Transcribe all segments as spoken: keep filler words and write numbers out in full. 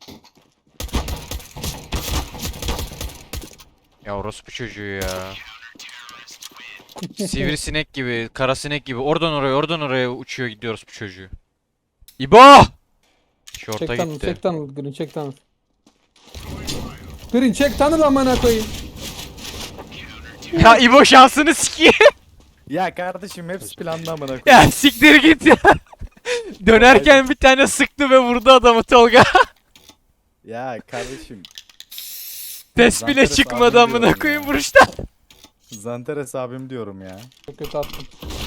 Ya orospu çocuğu ya. Sivrisinek gibi, karasinek gibi oradan oraya oradan oraya uçuyor gidiyoruz bu çocuğu. İbo! Şorta Çek tanıl, gitti. çek tanıl, Green çek tanıl. Green çek tanıl amına koyayım. Ya İbo şansını sikeyim. Ya kardeşim hepsi planlı amına koyayım. Ya siktir git ya. Dönerken bir tane sıktı ve vurdu adamı Tolga. Ya kardeşim. Test bile Zanteres çıkmadı abim amına diyorum koyayım ya. vuruşta. Zanteres abim diyorum ya. Çok kötü attım.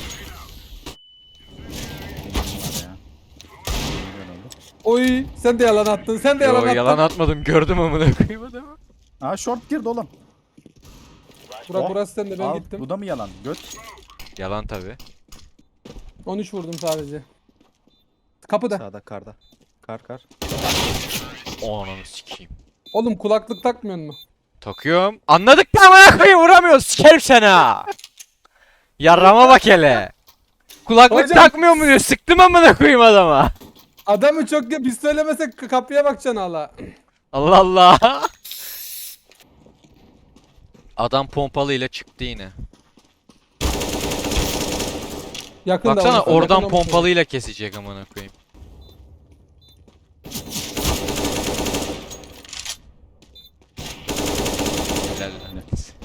Bunlar ya. Milyon oldu. Oy sen de yalan attın, sen de yalan Yo attın. yalan atmadım gördüm amına koyayım adamı. Aa short girdi oğlum. Burak Oh, burası sende, ben Al, gittim. bu da mı yalan? Göt. Yalan tabi. on üç vurdum sadece. Kapıda. Sağda karda. Kar kar. O ananı sikeyim. Oğlum kulaklık takmıyorsun mu? Takıyorum. Anladık da amına koyayım vuramıyoruz. Sikerim seni ha. Yarrama bak hele. Kulaklık Hocam- takmıyor mu diyor. Sıktım amına koyayım adama. Adamı çok ya, biz söylemesek k- kapıya bakacaksın hala. Allah Allah. Adam pompalıyla çıktı yine. Yakında Baksana olursa, oradan yakında olursa. pompalıyla kesecek amına koyayım. Helal lan.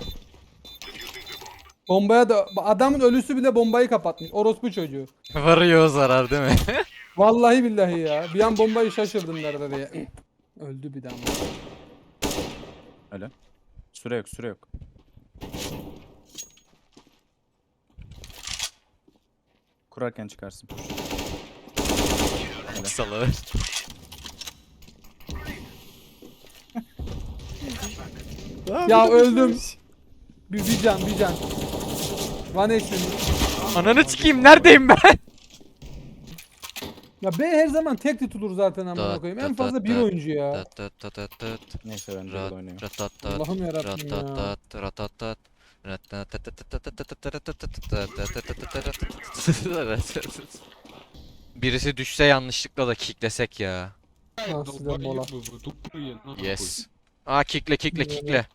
Bombaya da adamın ölüsü bile bombayı kapatmış. Orospu çocuğu. Varıyor o zarar değil mi? Vallahi billahi ya. Bir an bombayı şaşırdım nerede diye. Öldü bir daha. Öyle. Süre yok süre yok. Kurarken çıkarsın. Salı. Ya öldüm. Bir, bir can bir can. One H P. Ananı sikeyim neredeyim ben? Ya B her zaman tek tutulur zaten amına Dat, koyayım. dat, En fazla dat, bir dat, oyuncu ya. Tat tat tat tat tat. Neyse ben de Rat oynayayım. rat Allah'ım yarabbim ya. rat rat tat. Birisi düşse yanlışlıkla da kicklesek ya. Ah, size mola. Yes. Aa kickle kickle kickle.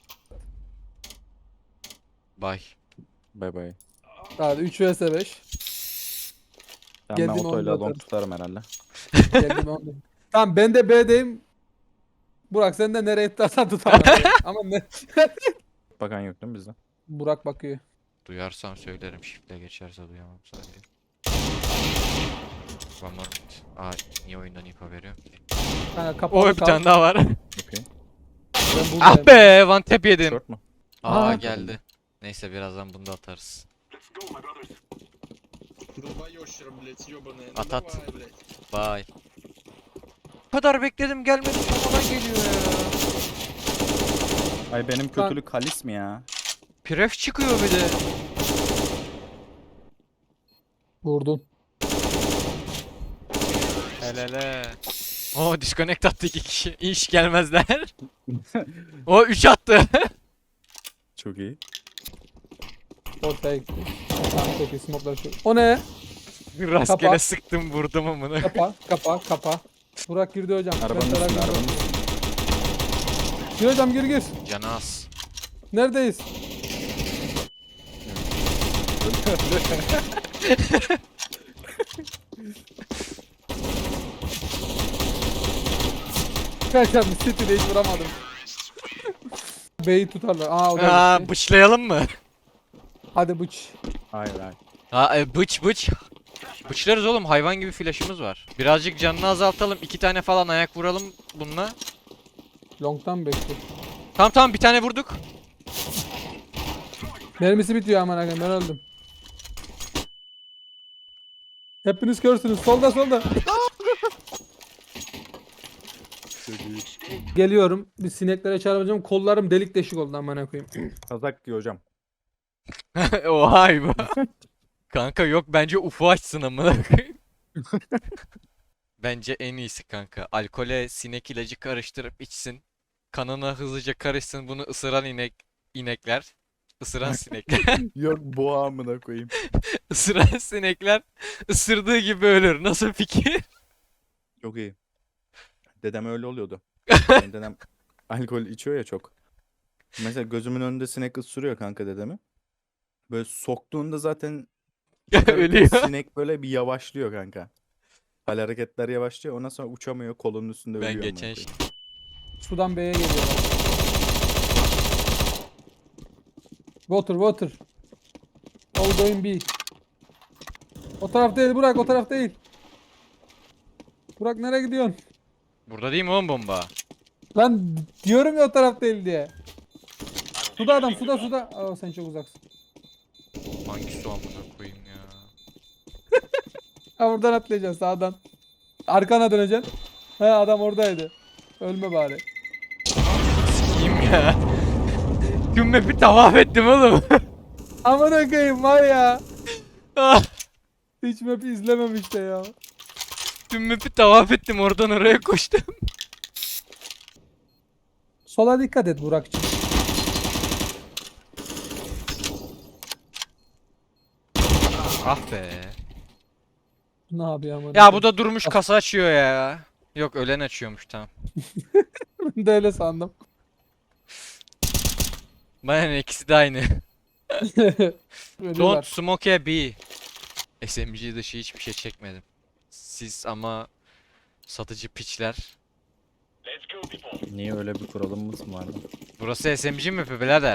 Bye. Bay bay. Hadi üç vs beş. Tamam ben Geldim, otoyla onu da long tutarım herhalde. Geldim onu. Tamam ben de B'deyim. Burak sen de nereye tutarsan tut amına koyayım. Ama ne? Bakan yok değil mi bizde? Burak bakıyor. Duyarsam söylerim shift'le geçerse duyamam sadece. One more minute. Aa niye oyundan info veriyorum ki? Kanka kapalı O bir kal. tane daha var. Okey. Ben Ah buradayım. be one tap yedim. Short mu? Aa Aa. geldi. Neyse birazdan bunu da atarız. Давай ящера, блядь, ёбаная. От- от. Давай, блядь. Bye. Bu kadar bekledim gelmedi sonradan geliyor ya. Ay benim kötülük halis mi ya? Pref çıkıyor bir de. Vurdun. Helele. O disconnect attı iki kişi. İş gelmezler. O üç attı. Çok iyi. Ortaya gitti. Tamam çok iyi smoke'lar şu. O ne? Rastgele Kapa. sıktım vurdum amına. Kapa kapa kapa. Burak girdi hocam. Arabanın Ben üstünde Burak arabanın girdim. üstünde. Gir hocam gir gir. Canı az. Neredeyiz? Kaçam City'de hiç vuramadım. B'yi tutarlar. Aa o da Aa gitti. bıçlayalım mı? Hadi bıç. Hayır hayır. Ha e, bıç bıç. Bıçlarız oğlum hayvan gibi flash'ımız var. Birazcık canını azaltalım. iki tane falan ayak vuralım bununla. Long'tan bekle. Tamam tamam bir tane vurduk. Mermisi bitiyor aman akım ben öldüm. Hepiniz körsünüz. Solda solda. Geliyorum. Bir sineklere çarpacağım. Kollarım delik deşik oldu aman koyayım. Kazak diyor hocam. Oha bu. Kanka yok bence ufu açsın amına koyayım. Bence en iyisi kanka. Alkole sinek ilacı karıştırıp içsin. Kanına hızlıca karışsın bunu ısıran inek inekler. Isıran sinekler. Yok boğa amına koyayım. Isıran sinekler ısırdığı gibi ölür. Nasıl fikir? Çok iyi. Dedem öyle oluyordu. Benim dedem alkol içiyor ya çok. Mesela gözümün önünde sinek ısırıyor kanka dedemi. Böyle soktuğunda zaten çıkarırken Ölüyor. sinek böyle bir yavaşlıyor kanka. Hal hareketler yavaşlıyor. Ondan sonra uçamıyor. Kolunun üstünde Ben ölüyor. amına geçen koyayım. Sudan B'ye geliyorlar. Water water. All going B. O taraf değil Burak, o taraf değil. Burak nereye gidiyorsun? Burada değil mi oğlum bomba? Lan diyorum ya o taraf değil diye. Suda adam, suda suda. Aa, sen çok uzaksın. Hangi su amına koyayım ya? Ha, buradan atlayacaksın sağdan. Arkana döneceksin. He, adam oradaydı. Ölme bari. Sikiyim ya. Tüm map'i tavaf ettim oğlum. Aman koyayım var ya. Ah, Hiç map izlememiş de ya. Tüm map'i tavaf ettim, oradan oraya koştum. Sola dikkat et Burak'cığım. Ah be. Ne yapıyor aman? Ya bu da durmuş kasa açıyor ya. Yok, ölen açıyormuş, tamam. Ben de öyle sandım. Bana ne, ikisi de aynı. Don't Ölüyorlar. smoke a B. S M G dışı hiçbir şey çekmedim. Siz ama satıcı piçler. Niye öyle bir kuralımız mı var? lan? Burası S M G mi birader?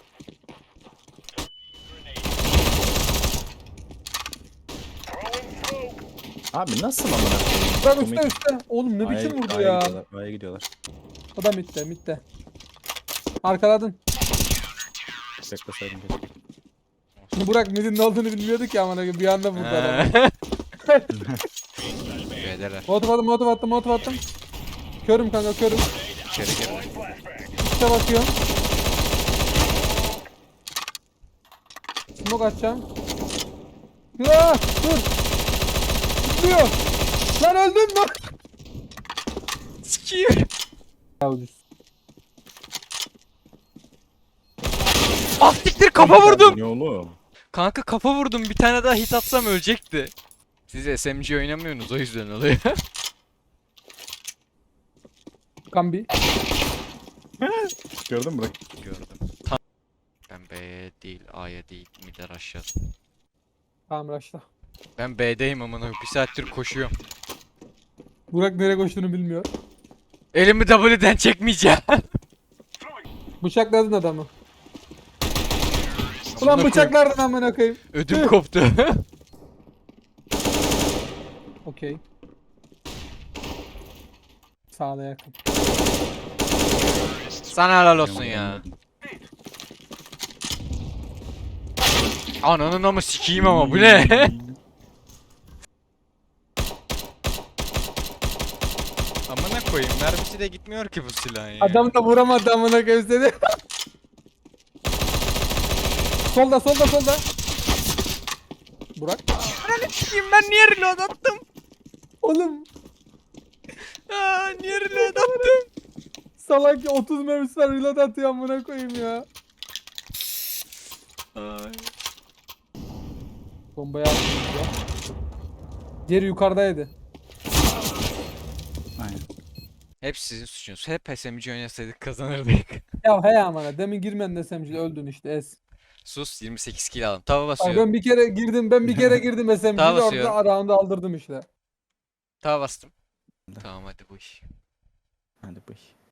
Abi nasıl amına koyayım? Bak Komik. üstte üstte. Oğlum ne Aya- biçim vurdu A'ya ya. gidiyorlar, A'ya gidiyorlar. Adam mitte mitte. Arkaladın. Bekleseydim keşke. Burak midin ne olduğunu bilmiyorduk ya amına koyayım. Bir anda vurdu adamı. Beyler Motor attım, motor attım, motor attım. Körüm kanka, körüm. içeri girdi. İşte bakıyorum. Smoke atacağım. Ya dur. Tutuyor. Lan öldün mü? Sikiyim. Ya ucuz. Ah siktir, kafa vurdum. Ne oğlum? Kanka kafa vurdum, bir tane daha hit atsam ölecekti. Siz S M G oynamıyorsunuz, o yüzden oluyor. Kambi. Gördün mü? Bırak. Gördüm. Tam. Ben B'ye değil, A'ya değil, mid'e rush'ladım. Tamam raşla. Ben B'deyim amına, bir saattir koşuyorum. Burak nereye koştuğunu bilmiyor. Elimi W'den çekmeyeceğim. Bıçakladın adamı. Ulan bıçaklardın amına koyayım. Ödüm koptu. Okey. Sağda yakın. Sana helal olsun ya. Ananın ama sikiyim ama bu ne? Amına koyayım, mermisi de gitmiyor ki bu silahın ya. Adam da vuramadı amına koyayım seni. Solda solda solda. Burak. Ananı sikiyim, ben niye reload attım? Oğlum Aa, niye reload attım? salak otuz mermisi var reload atıyor amına koyayım ya. Ay. Bombayı attım ya. Diğeri yukarıdaydı. Aynen. Hep sizin suçunuz. Hep S M G oynasaydık kazanırdık. Ya he amına demin girmen desem şimdi öldün işte es. Sus, yirmi sekiz kill aldım. Tava Bak basıyorum. ben bir kere girdim ben bir kere girdim S M G'de Daha orada basıyorum. round'u aldırdım işte. Tava bastım. Tamam hadi bu iş. Hadi bıy.